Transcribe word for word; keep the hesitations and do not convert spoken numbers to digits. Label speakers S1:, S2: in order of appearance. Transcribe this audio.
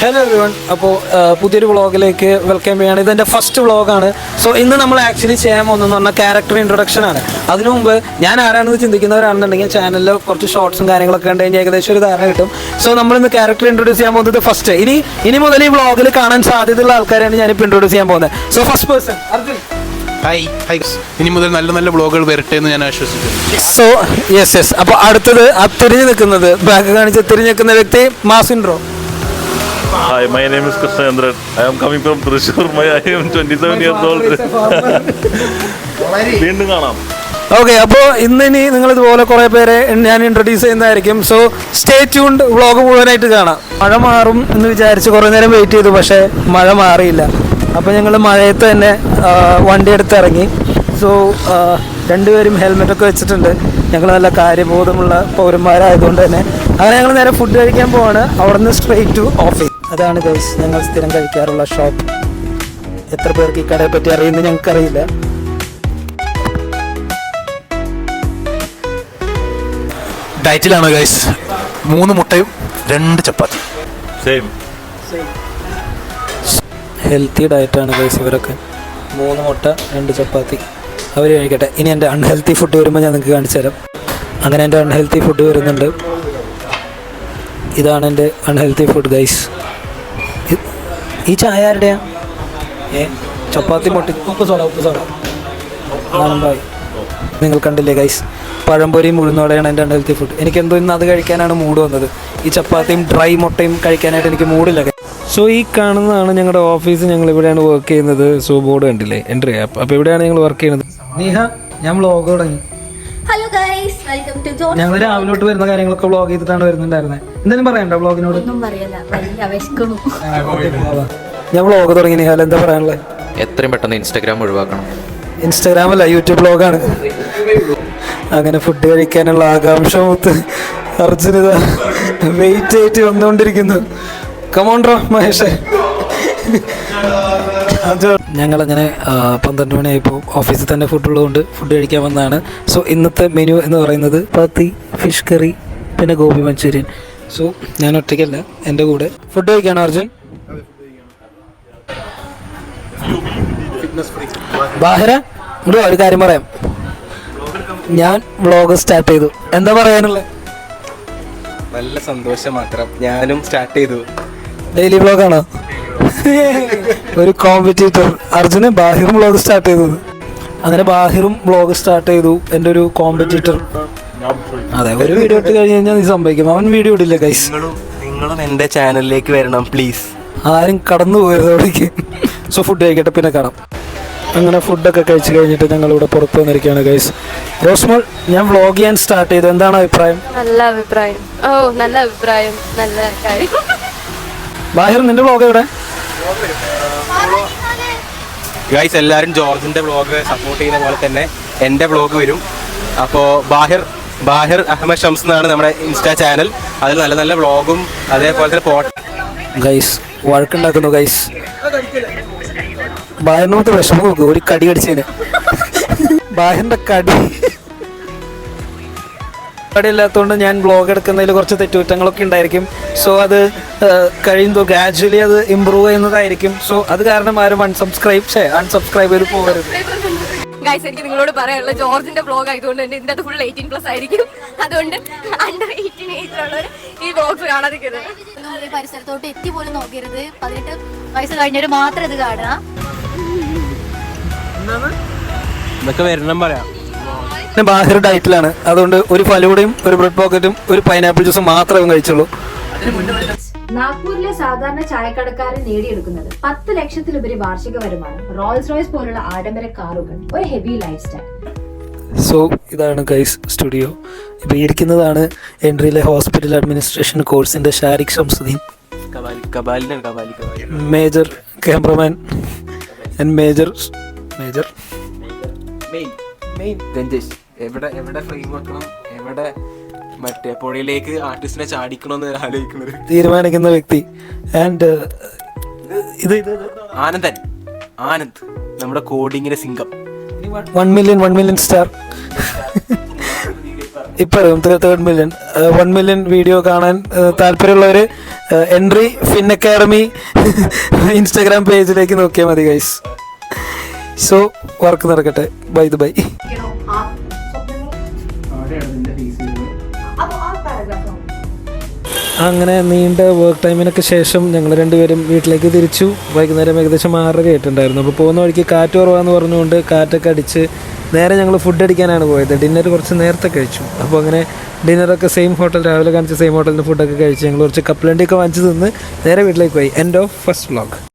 S1: Hello everyone. അപ്പോൾ പുതിയൊരു വ്ളോഗിലേക്ക് വെൽക്കം ചെയ്യാണ്. ഇതെൻ്റെ ഫസ്റ്റ് വ്ളോഗാണ്. സോ ഇന്ന് നമ്മൾ ആക്ച്വലി ചെയ്യാൻ പോകുന്നതെന്ന് പറഞ്ഞാൽ ക്യാരക്ടർ ഇൻട്രൊഡക്ഷൻ ആണ്. അതിനു മുമ്പ് ഞാൻ ആരാണെന്ന് ചിന്തിക്കുന്നവരാണെന്നുണ്ടെങ്കിൽ ചാനലിൽ കുറച്ച് ഷോർട്സും കാര്യങ്ങളൊക്കെ ഉണ്ട്, കഴിഞ്ഞാൽ ഏകദേശം ഒരു ധാരണ കിട്ടും. സോ നമ്മളിന്ന് ക്യാരക്ടർ ഇൻട്രൊഡ്യൂസ് ചെയ്യാൻ പോകുന്നത് ഫസ്റ്റ്. ഇനി ഇനി മുതൽ ഈ വ്ളോഗിൽ കാണാൻ സാധ്യതയുള്ള ആൾക്കാരാണ് ഞാനിപ്പോൾ ഇൻട്രൊഡ്യൂസ് ചെയ്യാൻ പോകുന്നത്. So first person Arjun.
S2: Hi hi ഇനി മുതൽ നല്ല നല്ല വ്ളോഗുകൾ വരട്ടെ എന്ന് ഞാൻ ആശ്വസിക്കുന്നു.
S1: സോ യെസ് യെസ് അപ്പോൾ അടുത്തത് ആ തിരിഞ്ഞു നിൽക്കുന്നത്, ബാക്ക് കാണിച്ച് തിരിഞ്ഞു നിൽക്കുന്ന വ്യക്തി മാസിൻഡ്രോ.
S3: Hi, my name is Krishnendran. I am coming from Thrissur. My I am twenty-seven years old. വീണ്ടും കാണാം.
S1: ഓക്കെ, അപ്പോൾ ഇന്ന് ഇനി നിങ്ങൾ ഇതുപോലെ കുറേ പേരെ ഞാൻ ഇൻട്രൊഡ്യൂസ് ചെയ്യുന്നതായിരിക്കും. സോ സ്റ്റേ ട്യൂൺഡ്, വ്ളോഗ് മുഴുവനായിട്ട് കാണാം. മഴ മാറും എന്ന് വിചാരിച്ച് കുറേ നേരം വെയിറ്റ് ചെയ്തു, പക്ഷേ മഴ മാറിയില്ല. അപ്പോൾ ഞങ്ങൾ മഴയത്ത് തന്നെ വണ്ടി എടുത്ത് ഇറങ്ങി. സോ രണ്ടുപേരും ഹെൽമെറ്റൊക്കെ വെച്ചിട്ടുണ്ട്. ഞങ്ങൾ നല്ല കാര്യബോധമുള്ള പൗരന്മാരായതുകൊണ്ട് തന്നെ അങ്ങനെ ഞങ്ങൾ നേരെ ഫുഡ് കഴിക്കാൻ പോവാണ്. അവിടെ നിന്ന് സ്ട്രെയിറ്റ് ടു ഓഫീസ്. അതാണ് ഗൈസ് ഞങ്ങൾ സ്ഥിരം കഴിക്കാറുള്ള ഷോപ്പ്. എത്ര പേർക്ക് ഈ കടയെ പറ്റി അറിയുന്നത് ഞങ്ങൾക്കറിയില്ല.
S2: ഡയറ്റിലാണ് ഗൈസ്. മൂന്ന് മുട്ടയും രണ്ട് ചപ്പാത്തി.
S3: സെയിം
S1: ഹെൽത്തി ഡയറ്റാണ് ഗൈസ് ഇവരൊക്കെ. മൂന്ന് മുട്ട രണ്ട് ചപ്പാത്തി അവർ കഴിക്കട്ടെ. ഇനി എൻ്റെ അൺഹെൽത്തി ഫുഡ് വരുമ്പോൾ ഞാൻ നിങ്ങൾക്ക് കാണിച്ചു തരാം. അങ്ങനെ എൻ്റെ അൺഹെൽത്തി ഫുഡ് വരുന്നുണ്ട്. ഇതാണ് എൻ്റെ അൺഹെൽത്തി ഫുഡ് ഗൈസ്. ഈ ചായ ആരുടെയാ? ഏ ചപ്പാത്തി മുട്ടി ഉപ്പ് സോഡ ഉപ്പ് സോഡ ആണമ്പായി. നിങ്ങൾ കണ്ടില്ലേ ഗൈസ്, പഴംപൊരിയും ഉഴുന്നോടെയാണ് എൻ്റെ അൺഹെൽത്തി ഫുഡ്. എനിക്കെന്തോ ഇന്ന് അത് കഴിക്കാനാണ് മൂഡ് വന്നത്. ഈ ചപ്പാത്തിയും ഡ്രൈ മുട്ടയും കഴിക്കാനായിട്ട് എനിക്ക് മൂഡില്ല. സോ ഈ കാണുന്നതാണ് ഞങ്ങളുടെ ഓഫീസ്. ഞങ്ങൾ ഇവിടെയാണ് വർക്ക് ചെയ്യുന്നത്. സോ ബോർഡ് കണ്ടില്ലേ, എൻട്രി ആപ്പ്. അപ്പോൾ ഇവിടെയാണ് ഞങ്ങൾ വർക്ക് ചെയ്യുന്നത്. നീഹ, ഞാൻ വ്ളോഗ് തുടങ്ങി.
S4: Hello guys, welcome to John.
S1: ഞങ്ങൾ രാവിലോട്ട് വരുന്ന കാര്യങ്ങളൊക്കെ വ്ളോഗ് ചെയ്തിട്ടാണ് വരുന്നുണ്ടായിരുന്നത്. എന്തെങ്കിലും പറയണ്ടോ വ്ളോഗിനോട്?
S4: ഒന്നും പറയല്ല, വലിയ വിശക്കുന്നു.
S1: ഞാൻ വ്ളോഗ് തുടങ്ങി. നിഹാൽ എന്താ പറയാനുള്ളത്?
S5: എത്രയും പെട്ടെന്ന് ഇൻസ്റ്റാഗ്രാം ഒഴിവാക്കണം.
S1: ഇൻസ്റ്റാഗ്രാം അല്ല, യൂട്യൂബ് വ്ളോഗാണ്. അങ്ങനെ ഫുഡ് കഴിക്കാനുള്ള ആകാംക്ഷ മൂത്ത് അർജുനിത വെയിറ്റ് ആയിട്ട് വന്നുകൊണ്ടിരിക്കുന്നു. കമോൺട്രോ മഹേഷേ. ഞങ്ങളങ്ങനെ പന്ത്രണ്ട് മണിയായപ്പോൾ ഓഫീസിൽ തന്നെ ഫുഡ് ഉള്ളതുകൊണ്ട് ഫുഡ് കഴിക്കാൻ വന്നതാണ്. സോ ഇന്നത്തെ മെനു എന്ന് പറയുന്നത് ചപ്പാത്തി, ഫിഷ് കറി, പിന്നെ ഗോബി മഞ്ചൂരിയൻ. സോ ഞാൻ ഒറ്റയ്ക്കല്ല, എൻ്റെ കൂടെ ഫുഡ് കഴിക്കാണ് അർജുൻ. ബാഹിര ഇവിടെ ഒരു കാര്യം പറയാം. ഞാൻ വ്ളോഗ് സ്റ്റാർട്ട് ചെയ്തു. എന്താ പറയാനുള്ളത്?
S6: നല്ല സന്തോഷം മാത്രം. ഞാനും സ്റ്റാർട്ട് ചെയ്തു.
S1: ഡെയിലി വ്ളോഗാണോ? ഒരു കോമ്പറ്റീറ്റർ അർജുന് ബാഹിറും വ്ളോഗ് സ്റ്റാർട്ട് ചെയ്തത്. അങ്ങനെ ബാഹിറും വ്ളോഗ് സ്റ്റാർട്ട് ചെയ്തു. എൻ്റെ ഒരു കോമ്പറ്റീറ്റർ. അതെ, ഒരു വീഡിയോ ഇട്ട് കഴിഞ്ഞ് കഴിഞ്ഞാൽ നീ സംഭവിക്കും. അവൻ വീഡിയോ ഇടില്ല ഗൈസ്.
S6: നിങ്ങളും എൻ്റെ ചാനലിലേക്ക് വരണം പ്ലീസ്.
S1: ആരും കടന്നു പോയതോടേക്ക്. സോ ഫുഡ് കഴിക്കട്ടെ, പിന്നെ കാണാം. അങ്ങനെ ഫുഡൊക്കെ കഴിച്ച് കഴിഞ്ഞിട്ട് ഞങ്ങളിവിടെ പുറത്ത് വന്നിരിക്കുകയാണ് ഗൈസ്. റോസ്മോൾ, ഞാൻ വ്ളോഗ് ചെയ്യാൻ സ്റ്റാർട്ട് ചെയ്തു. എന്താണ് അഭിപ്രായം?
S4: നല്ല അഭിപ്രായം. ഓ നല്ല അഭിപ്രായം, നല്ല കാര്യം.
S1: ബാഹിർ, നിന്റെ വ്ളോഗ് എവിടെ?
S6: ഗൈസ്, എല്ലാവരും ജോർജിന്റെ വ്ളോഗ് സപ്പോർട്ട് ചെയ്യുന്ന പോലെ തന്നെ എൻ്റെ വ്ളോഗ് വരും. അപ്പോൾ ബാഹിർ ബാഹിർ അഹമ്മദ് ഷംസ് എന്നാണ് നമ്മുടെ ഇൻസ്റ്റാ ചാനൽ. അതിൽ നല്ല നല്ല വ്ളോഗും അതേപോലെ തന്നെ പോട്ട്.
S1: ഗൈസ് വഴക്കുണ്ടാക്കുന്നു ഗൈസ്. ബാഹിറിനകത്ത് വിഷമം നോക്കും. ഒരു കടി കടിച്ചതിന് ബാഹിറിന്റെ കടി കടിയില്ലാത്തതുകൊണ്ട് ഞാൻ വ്ളോഗ് എടുക്കുന്നതിൽ കുറച്ച് തെറ്റുകുറ്റങ്ങളൊക്കെ ഉണ്ടായിരിക്കും. സോ അത് കഴിയുമ്പോൾ ഗ്രാജുവലി അത് ഇമ്പ്രൂവ് ചെയ്യുന്നതായിരിക്കും. സോ അത് കാരണം ആരും അൺസബ്സ്ക്രൈബ് ചെയ്യേ അൺസബ്സ്ക്രൈബ് ചെയ്ത് പോകരുത്.
S4: ഗൈസ്, എനിക്ക് നിങ്ങളോട് പറയാനുള്ള ജോർജിന്റെ വ്ളോഗ് ആയതുകൊണ്ട് തന്നെ ഇതിന്റെ അത് ഫുൾ എയ്റ്റീൻ പ്ലസ് ആയിരിക്കും. അതുകൊണ്ട് അണ്ടർ എയ്റ്റീൻ ഏജിലുള്ളവർ ഈ വ്ളോഗ്സ് കാണാതിരിക്കരുത്. ഈ പരിസരത്തോട്ട് എത്തി പോലും നോക്കരുത്. പതിനെട്ട് വയസ്സ് കഴിഞ്ഞവർ മാത്രം ഇത് കാണുക.
S6: ഇതൊക്കെ വരണം പറയാം.
S1: ബാഹിർ ഡയറ്റിലാണ്. അതുകൊണ്ട് ഒരു ഫലൂടയും ഒരു ബ്രെഡ് പോക്കറ്റും ഒരു പൈനാപ്പിൾ ജ്യൂസും മാത്രമേ കഴിച്ചുള്ളൂ.
S7: നാഗ്പൂരിലെ സാധാരണ ചായക്കടക്കാരൻ നേടിയെടുക്കുന്നത് പത്ത് ലക്ഷത്തിലുപരി വാർഷിക വരുമാനം, റോൾസ് റോയ്സ് പോലുള്ള ആഡംബര കാറുകൾ, ഒരു ഹെവി ലൈഫ് സ്റ്റൈൽ.
S1: സോ ഇതാണ് ഗൈസ് സ്റ്റുഡിയോ. ഇപ്പോൾ ഇരിക്കുന്നതാണ് എൻട്രിയിലെ ഹോസ്പിറ്റൽ അഡ്മിനിസ്ട്രേഷൻ കോഴ്സിൻ്റെ Shariq Shamsuddin, major cameraman and major major
S6: Ranjesh. എവിടെ എവിടെ ഫ്രെയിം വെക്കണം, എവിടെ മറ്റേ പുഴയിലേക്ക് ആർട്ടിസ്റ്റിനെ ചാടിക്കണമെന്ന് ആലോചിക്കുന്നത്
S1: തീരുമാനിക്കുന്ന വ്യക്തി. ആൻഡ് ഇത് ഇത്
S6: ആനന്ദൻ ആനന്ദ്, നമ്മുടെ കോഡിങ്ങിന്റെ സിംഗം.
S1: One million one million star. ഇപ്പോഴും third million one million video കാണാൻ താല്പര്യമുള്ളവർ എൻട്രി ഫിൻ അക്കാഡമി ഇൻസ്റ്റാഗ്രാം പേജിലേക്ക് നോക്കിയാൽ മതി ഗൈസ്. സോ വർക്ക് നടക്കട്ടെ. By the by. അങ്ങനെ നീണ്ട വർക്ക് ടൈമിനൊക്കെ ശേഷം ഞങ്ങൾ രണ്ടുപേരും വീട്ടിലേക്ക് തിരിച്ചു. വൈകുന്നേരം ഏകദേശം ആറര ആയിട്ടുണ്ടായിരുന്നു. അപ്പോൾ പോകുന്ന വഴിക്ക് കാറ്റ് കുറവാന്ന് പറഞ്ഞുകൊണ്ട് കാറ്റൊക്കെ അടിച്ച് നേരെ ഞങ്ങൾ ഫുഡ് അടിക്കാനാണ് പോയത്. ഡിന്നർ കുറച്ച് നേരത്തെ കഴിച്ചു. അപ്പോൾ അങ്ങനെ ഡിന്നറൊക്കെ സെയിം ഹോട്ടൽ, രാവിലെ കാണിച്ച സെയിം ഹോട്ടലിൻ്റെ ഫുഡൊക്കെ കഴിച്ച് ഞങ്ങൾ കുറച്ച് കപ്പലണ്ടിയൊക്കെ വാങ്ങിച്ച് തിന്ന് നേരെ വീട്ടിലേക്ക് പോയി. End of first vlog.